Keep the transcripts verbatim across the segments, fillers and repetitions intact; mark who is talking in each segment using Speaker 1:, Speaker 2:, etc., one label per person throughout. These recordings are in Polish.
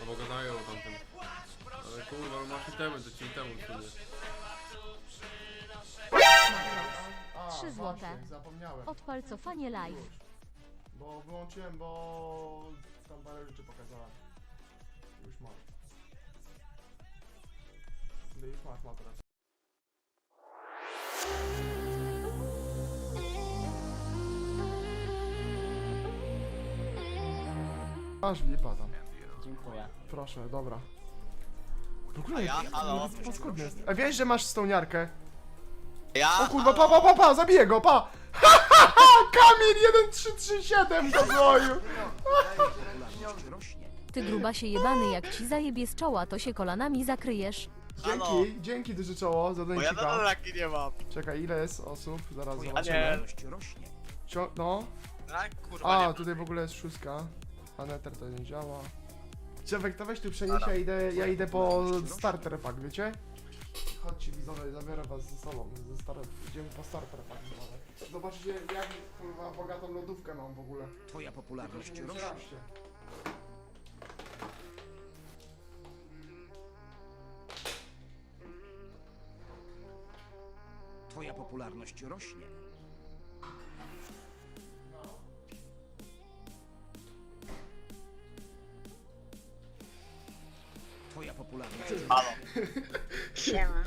Speaker 1: No bo gadają o tamtym. Ale kurwa, no masz itemy, to ci temu sobie.
Speaker 2: Trzy złote.
Speaker 3: Zapomniałem.
Speaker 2: Odpal cofanie live.
Speaker 3: Bo wyłączyłem, bo tam parę rzeczy pokazałem. Już mam. No już masz, ma teraz. Masz lipa tam.
Speaker 4: Dziękuję.
Speaker 3: Proszę, dobra. W ogóle,
Speaker 5: A ja? Halo?
Speaker 3: to paskudny jest. A wiesz, że masz stoniarkę?
Speaker 5: Ja?
Speaker 3: O kurwa, pa, pa, pa, pa, zabiję go, pa! Ha, ha, ha! Kamil jeden trzy trzy siedem do złoju!
Speaker 2: Ty grubasie jebany, jak ci zajebie z czoła, to się kolanami zakryjesz.
Speaker 5: Halo?
Speaker 3: Dzięki, dzięki duże czoło za
Speaker 5: Bo ja
Speaker 3: donicika.
Speaker 5: na taki nie mam.
Speaker 3: Czekaj, ile jest osób? Zaraz
Speaker 5: A nie.
Speaker 3: zobaczymy. Cio no.
Speaker 5: Tak, kurwa nie
Speaker 3: A,
Speaker 5: ma.
Speaker 3: tutaj w ogóle jest szóstka. A Nether to nie działa. Czewek, to weź tu przenieś, ja idę, ja idę po starter pack, wiecie? Chodźcie widzowie, zabiorę was ze sobą, ze star idziemy po starter pack. Widzowie. Zobaczcie jak kurwa bogatą lodówkę mam w ogóle.
Speaker 6: Twoja popularność
Speaker 3: Tylko się nie
Speaker 6: rośnie.
Speaker 3: przeraźcie.
Speaker 6: Twoja popularność rośnie. Twoja popularność
Speaker 5: Halo?
Speaker 7: Siema.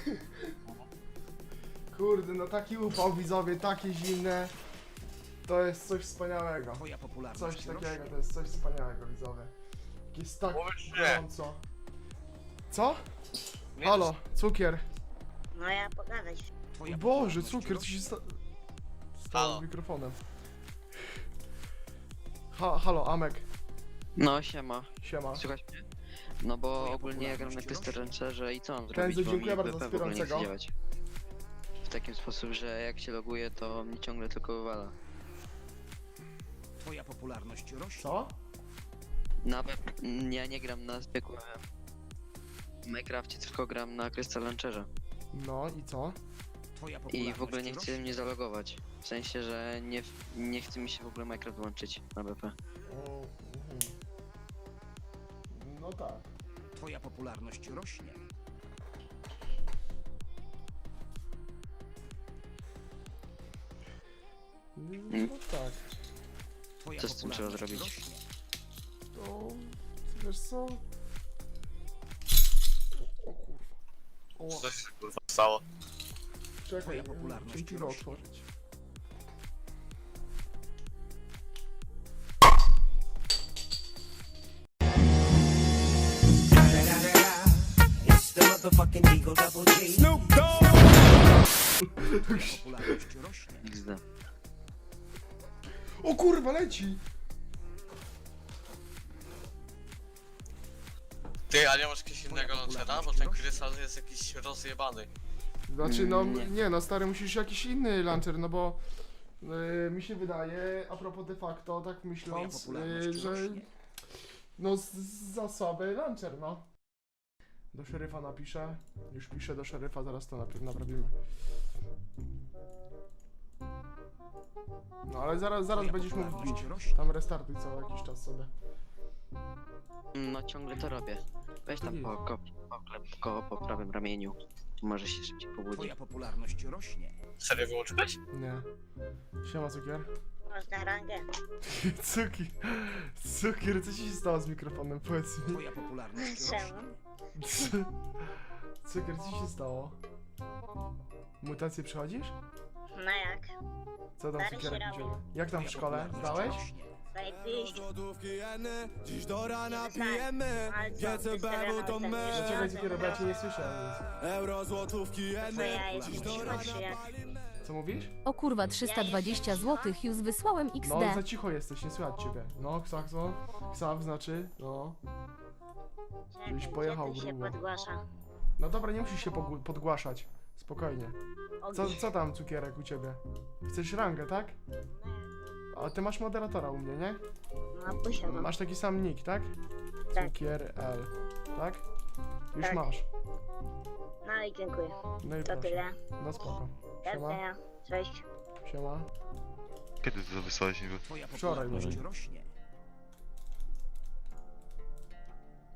Speaker 3: Kurde, no taki upał widzowie, takie zimne. To jest coś wspaniałego.
Speaker 6: Twoja popularność
Speaker 3: Coś
Speaker 6: rośnie.
Speaker 3: takiego, to jest coś wspaniałego widzowie. Jest tak
Speaker 5: Mówisz, że-
Speaker 3: gorąco. Co?
Speaker 5: Nie,
Speaker 3: Halo, cukier.
Speaker 7: No ja pogadać.
Speaker 6: Twoja
Speaker 3: Boże,
Speaker 6: popularność
Speaker 3: cukier, co
Speaker 6: rośnie.
Speaker 3: się sta... stało
Speaker 5: Halo.
Speaker 3: z mikrofonem? Ha, halo, Amek,
Speaker 8: No siema,
Speaker 3: siema.
Speaker 8: słychać mnie? No bo
Speaker 6: Twoja
Speaker 8: ogólnie ja gram na
Speaker 6: popularność
Speaker 8: Krysterrancerze i co mam
Speaker 3: Kenzo,
Speaker 8: zrobić, bo mi
Speaker 3: dziękuję bardzo
Speaker 8: B P w ogóle nie chce
Speaker 3: wspierającego.
Speaker 8: działać. W takim sposób, że jak się loguję, to mnie ciągle tylko wywala.
Speaker 6: Twoja popularność rośnie.
Speaker 3: Co?
Speaker 8: Na B P... ja nie gram na zwykłym Minecrafcie, tylko gram na Krysterrancerze.
Speaker 3: No i co?
Speaker 6: Twoja
Speaker 8: I
Speaker 6: popularność
Speaker 8: w ogóle nie chce
Speaker 6: rośnie.
Speaker 8: mnie zalogować. W sensie, że nie, nie chce mi się w ogóle Minecraft włączyć na B P.
Speaker 3: O, mhm. No tak.
Speaker 6: Twoja popularność rośnie.
Speaker 3: No tak.
Speaker 6: Twoja
Speaker 8: Co z tym trzeba
Speaker 6: popularność
Speaker 8: zrobić?
Speaker 6: rośnie.
Speaker 3: To... wiesz co? O kurwa. O,
Speaker 5: Co się kurwa stało?
Speaker 3: czekaj,
Speaker 6: Twoja popularność
Speaker 3: muszę piwo
Speaker 6: rośnie.
Speaker 3: otworzyć.
Speaker 6: Popularność rośnie.
Speaker 8: X D.
Speaker 3: O kurwa, leci!
Speaker 5: Ty, a nie masz jakiegoś innego launchera? Bo ten krystal jest jakiś rozjebany.
Speaker 3: Znaczy no,
Speaker 8: Mm,
Speaker 3: nie.
Speaker 8: nie.
Speaker 3: no stary, musisz jakiś inny launcher, no bo yy, mi się wydaje, a propos de facto, tak
Speaker 6: Twoja
Speaker 3: myśląc,
Speaker 6: popularność
Speaker 3: yy, że
Speaker 6: rośnie.
Speaker 3: no z, za słaby launcher, no. Do szeryfa napiszę, już piszę do szeryfa, zaraz to najpierw naprawimy. No ale zaraz, zaraz
Speaker 6: Twoja
Speaker 3: będziesz mógł
Speaker 6: popularność
Speaker 3: wbić,
Speaker 6: rośnie.
Speaker 3: tam restartuj co jakiś czas sobie.
Speaker 8: No ciągle to robię. Weź tam po, ko, poklep go po prawym ramieniu. Może się szybciej pobudzi.
Speaker 6: Twoja popularność rośnie.
Speaker 5: Serio wyłączyłeś?
Speaker 3: Nie. Siema cukier.
Speaker 7: Można rangę.
Speaker 3: Cukier, cukier, co ci się stało z mikrofonem, powiedz mi.
Speaker 6: Twoja popularność rośnie.
Speaker 7: Czemu?
Speaker 3: Cukier, co ci się stało? Mutację przechodzisz?
Speaker 7: No jak?
Speaker 3: Co tam
Speaker 7: Stary
Speaker 3: cukierek
Speaker 7: się
Speaker 3: u ciebie?
Speaker 7: robi.
Speaker 3: Jak tam w
Speaker 6: Twoja
Speaker 3: szkole?
Speaker 6: popularność
Speaker 3: Zdałeś?
Speaker 6: rośnie.
Speaker 7: Zajebiście.
Speaker 9: Dziś do rana
Speaker 7: Pijemy,
Speaker 9: pijemy,
Speaker 7: ale co,
Speaker 9: G C B
Speaker 7: wystawiamy
Speaker 9: to
Speaker 7: ten
Speaker 9: my.
Speaker 7: jeszcze
Speaker 3: Czekaj
Speaker 7: raz
Speaker 3: cukierek, bo ja cię nie słyszę nic.
Speaker 9: Euro złotówki
Speaker 7: Co
Speaker 9: jeny,
Speaker 7: ja jestem
Speaker 9: dziś do
Speaker 7: cicho,
Speaker 9: rana
Speaker 7: czy jak?
Speaker 3: Co mówisz?
Speaker 2: O kurwa, trzysta dwadzieścia złotych, już wysłałem X
Speaker 3: No
Speaker 2: D.
Speaker 3: za cicho jesteś, nie słychać ciebie. No, ksak, co? Ksaw znaczy, no.
Speaker 7: Czekaj,
Speaker 3: Byś pojechał
Speaker 7: gdzie tu się
Speaker 3: grubo.
Speaker 7: podgłasza?
Speaker 3: No dobra, nie musisz się pogł- podgłaszać. Spokojnie. Co,
Speaker 7: Ogień.
Speaker 3: co tam cukierek u ciebie? Chcesz rangę, tak? A ty masz moderatora u mnie, nie?
Speaker 7: No posiadam.
Speaker 3: Masz taki sam nick, tak?
Speaker 7: Tak.
Speaker 3: Cukier L, tak? Już
Speaker 7: Tak.
Speaker 3: masz.
Speaker 7: No i dziękuję.
Speaker 3: No i
Speaker 7: To
Speaker 3: proszę.
Speaker 7: tyle.
Speaker 3: No spoko.
Speaker 7: Do
Speaker 3: Siema,
Speaker 7: widzenia. Cześć.
Speaker 3: siema.
Speaker 10: Kiedy ty to wysłałeś niby?
Speaker 6: Twoja
Speaker 3: Wczoraj
Speaker 6: popularność
Speaker 3: może.
Speaker 6: rośnie.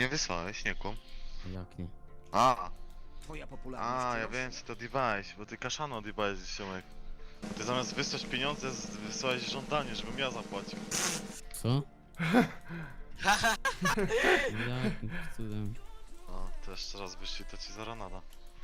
Speaker 4: nie wysłałeś, nie kum.
Speaker 10: Jak nie?
Speaker 4: A,
Speaker 6: Twoja popularność
Speaker 4: a, ja
Speaker 6: rośnie.
Speaker 4: wiem co to odjebałeś, bo ty kaszano odjebałeś, ziomek. Ty zamiast wysłać pieniądze, z- wysłałeś żądanie, żebym ja zapłacił.
Speaker 10: Co? Jakim cudem?
Speaker 4: No, to jeszcze raz wyszli, to ci zara nada.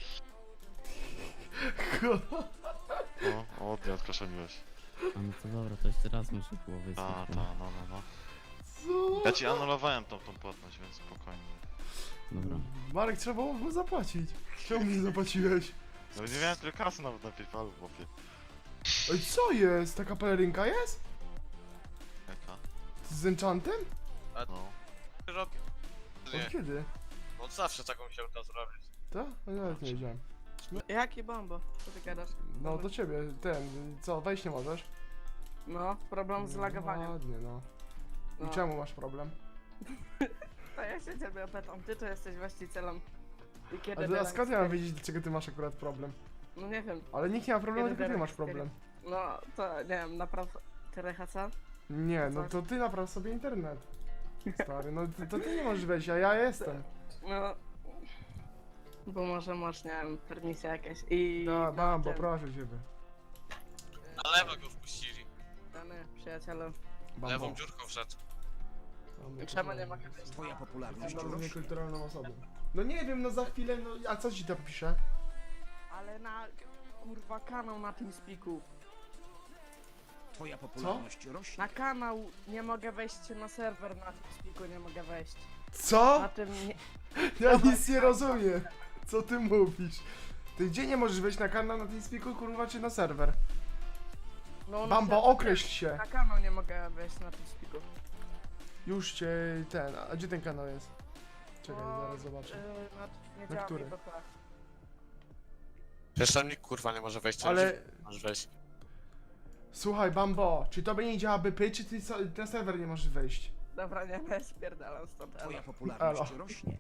Speaker 4: No, ładnie odkaszaniłeś.
Speaker 10: A no to dobra, to jeszcze raz muszę było
Speaker 4: Ta,
Speaker 10: wysłać.
Speaker 4: ta, no, no, no.
Speaker 3: Co?
Speaker 4: Ja ci anulowałem tą, tą płatność, więc spokojnie.
Speaker 10: Dobra.
Speaker 3: Marek, trzeba było mu zapłacić. Czemu nie zapłaciłeś?
Speaker 4: No nie miałem tyle kasy nawet na PayPalu, chłopie.
Speaker 3: Oj, co jest? Taka pelerynka jest?
Speaker 4: Jaka?
Speaker 3: Z enchantem?
Speaker 4: No.
Speaker 5: Robię.
Speaker 3: Od
Speaker 5: Nie,
Speaker 3: kiedy?
Speaker 5: od zawsze taką się uda zrobić.
Speaker 3: Tak? No, ja nawet nie wiedziałem.
Speaker 11: Jaki bombo? Co ty gadasz?
Speaker 3: No do ciebie, ten, co, wejść nie możesz?
Speaker 11: No, problem z lagowaniem.
Speaker 3: Ładnie, no. I
Speaker 11: No.
Speaker 3: czemu masz problem?
Speaker 11: To ja się ciebie pytam, ty to jesteś właścicielem. I
Speaker 3: A,
Speaker 11: kiedy
Speaker 3: ty, a
Speaker 11: teraz
Speaker 3: skąd ja mam
Speaker 11: ty-
Speaker 3: wiedzieć, dlaczego ty masz akurat problem?
Speaker 11: No nie wiem,
Speaker 3: Ale nikt nie ma problemu,
Speaker 11: Kiedy
Speaker 3: tylko ty
Speaker 11: teraz
Speaker 3: masz problem.
Speaker 11: no to nie wiem, naprawdę... Ty Rehaca?
Speaker 3: Nie, no
Speaker 11: Tak.
Speaker 3: to ty napraw sobie internet. Stary, no to, to ty nie możesz wejść, a ja jestem.
Speaker 11: No... Bo może masz, nie wiem, permisja jakaś i...
Speaker 3: No, Bambo,
Speaker 11: tym-
Speaker 3: proszę ciebie.
Speaker 5: Na lewo go wpuścili.
Speaker 11: Dany, przyjacielu.
Speaker 3: Bambo.
Speaker 5: Lewą dziurką wszedł.
Speaker 3: Bambo,
Speaker 11: Czemu
Speaker 3: proszę.
Speaker 11: nie mogę wejść?
Speaker 6: Twoja popularność
Speaker 3: Jestem bardzo
Speaker 6: rośnie.
Speaker 3: niekulturalną osobą. No nie wiem, no za chwilę, no a co ci tam pisze?
Speaker 11: Ale na... kurwa kanał na tym spiku.
Speaker 6: Twoja popularność rośnie.
Speaker 11: Na kanał nie mogę wejść na serwer, na tym spiku nie mogę wejść.
Speaker 3: Co?
Speaker 11: Na tym nie...
Speaker 3: Ja nic nie rozumiem. Co ty mówisz? Ty gdzie nie możesz wejść na kanał na Teamspeaku, kurwa, czy na serwer?
Speaker 11: No, na
Speaker 3: Bambo,
Speaker 11: serwer-
Speaker 3: określ się.
Speaker 11: Na kanał nie mogę wejść na tym spiku.
Speaker 3: Już cię ten, a gdzie ten kanał jest? Czekaj,
Speaker 11: O,
Speaker 3: zaraz zobaczę.
Speaker 11: Yy, na, nie
Speaker 3: Na
Speaker 11: działa
Speaker 3: który?
Speaker 11: mi P P.
Speaker 5: Przecież tam nikt kurwa nie może wejść.
Speaker 3: Ale
Speaker 5: Możesz wejść.
Speaker 3: słuchaj, Bambo, czy tobie nie działa B P, czy ty so- na serwer nie możesz wejść?
Speaker 11: Dobra, nie, nie, spierdalam stąd, elo.
Speaker 6: Twoja popularność
Speaker 3: Elo.
Speaker 6: rośnie.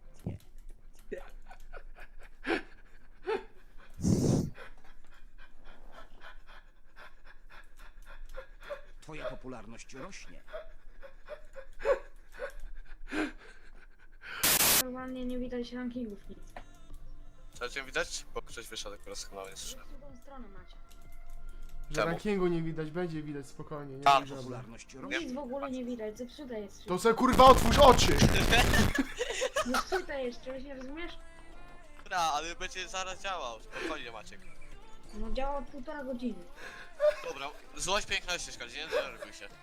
Speaker 6: Twoja popularność rośnie.
Speaker 7: Normalnie nie widać rankingów nic.
Speaker 5: Co cię widać? Bo ktoś wyszedł akurat z kanału, jest
Speaker 7: W drugą stronę macie.
Speaker 3: Że
Speaker 5: Czemu?
Speaker 3: rankingu nie widać, będzie widać spokojnie, nie
Speaker 5: A,
Speaker 3: bój żadnej.
Speaker 6: Popularność rośnie.
Speaker 7: Nic w ogóle nie widać, zepsute jest.
Speaker 3: To se kurwa otwórz oczy!
Speaker 7: Zepsute jest, czegoś nie rozumiesz?
Speaker 5: Dobra, ale będzie zaraz działał. Spokojnie Maciek.
Speaker 7: No działa od półtora godziny.
Speaker 5: Dobra, złość piękności szkodzi, nie denerwuj się.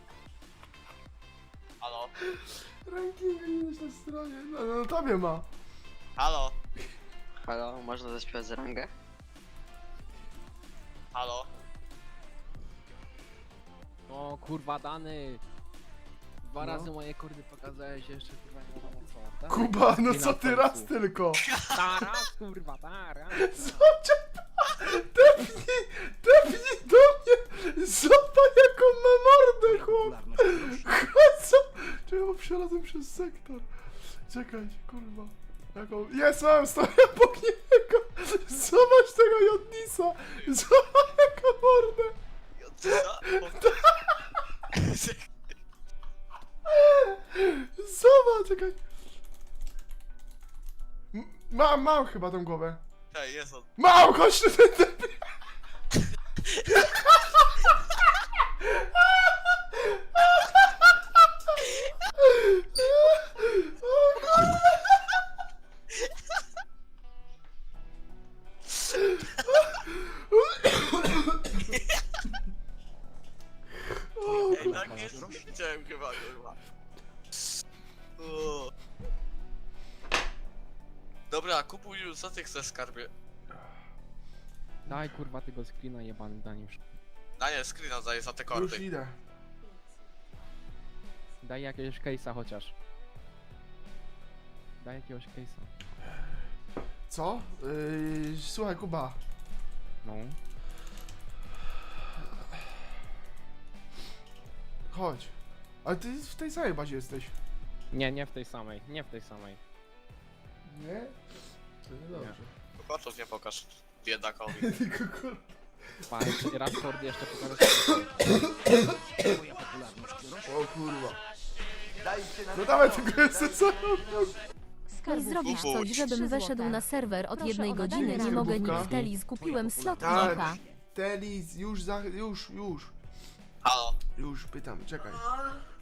Speaker 5: Halo?
Speaker 3: Rankingu nie widać na stronie, no, no tobie ma.
Speaker 5: Halo?
Speaker 8: Halo, można zaśpiewać z rangę?
Speaker 5: Halo?
Speaker 10: O kurwa Dany! Dwa
Speaker 3: No.
Speaker 10: razy moje kordy pokazałeś, jeszcze kurwa nie wiadomo co. tak?
Speaker 3: Kuba, no
Speaker 10: I
Speaker 3: co
Speaker 10: na
Speaker 3: ty
Speaker 10: końcu.
Speaker 3: raz tylko?
Speaker 10: Taras kurwa, taras!
Speaker 3: Zobacz, depnij, depnij do mnie! Zobacz jaką ma mordę, chłop!
Speaker 6: Popularność rośnie.
Speaker 3: Co? Czekaj, bo przelazłem przez sektor. Czekaj, kurwa. Jaką... Jest, mam, stoję obok niego! Zobacz tego Jodnisa! Zobacz jaką mordę!
Speaker 5: Co?
Speaker 3: Zobacz, czekaj. M- Mam, mam chyba tą głowę.
Speaker 5: Hej, jest on.
Speaker 3: Mam, chodź tu, ten debil. O kurde. O,
Speaker 5: Ej, tak jest? Widziałem chyba, kurwa. O. Dobra, kupuj już, co ty chcesz skarbie?
Speaker 10: Daj kurwa tego screena jebany Daniusz.
Speaker 5: Daniel, screena daję za te
Speaker 3: już
Speaker 5: kordy.
Speaker 3: idę.
Speaker 10: Daj jakiegoś case'a chociaż. Daj jakiegoś case'a.
Speaker 3: Co? Yy, słuchaj, Kuba.
Speaker 10: No.
Speaker 3: Chodź. Ale ty w tej samej bazie jesteś.
Speaker 10: Nie, nie w tej samej, nie w tej samej.
Speaker 3: Nie? To nie dobrze.
Speaker 5: Koczów nie pokaż biedakowi.
Speaker 3: Tylko kurwa.
Speaker 10: Pa, jeszcze raz kordy jeszcze pokażę.
Speaker 6: Twoja popularność rośnie.
Speaker 3: O kurwa. No dawaj tego co?
Speaker 2: I zrobisz coś, żebym weszedł na serwer od jednej godziny, nie mogę nic w teli, kupiłem slot
Speaker 3: Tak.
Speaker 2: Nika.
Speaker 3: Telis, już za... już, już.
Speaker 5: Halo.
Speaker 3: Już, pytam, czekaj.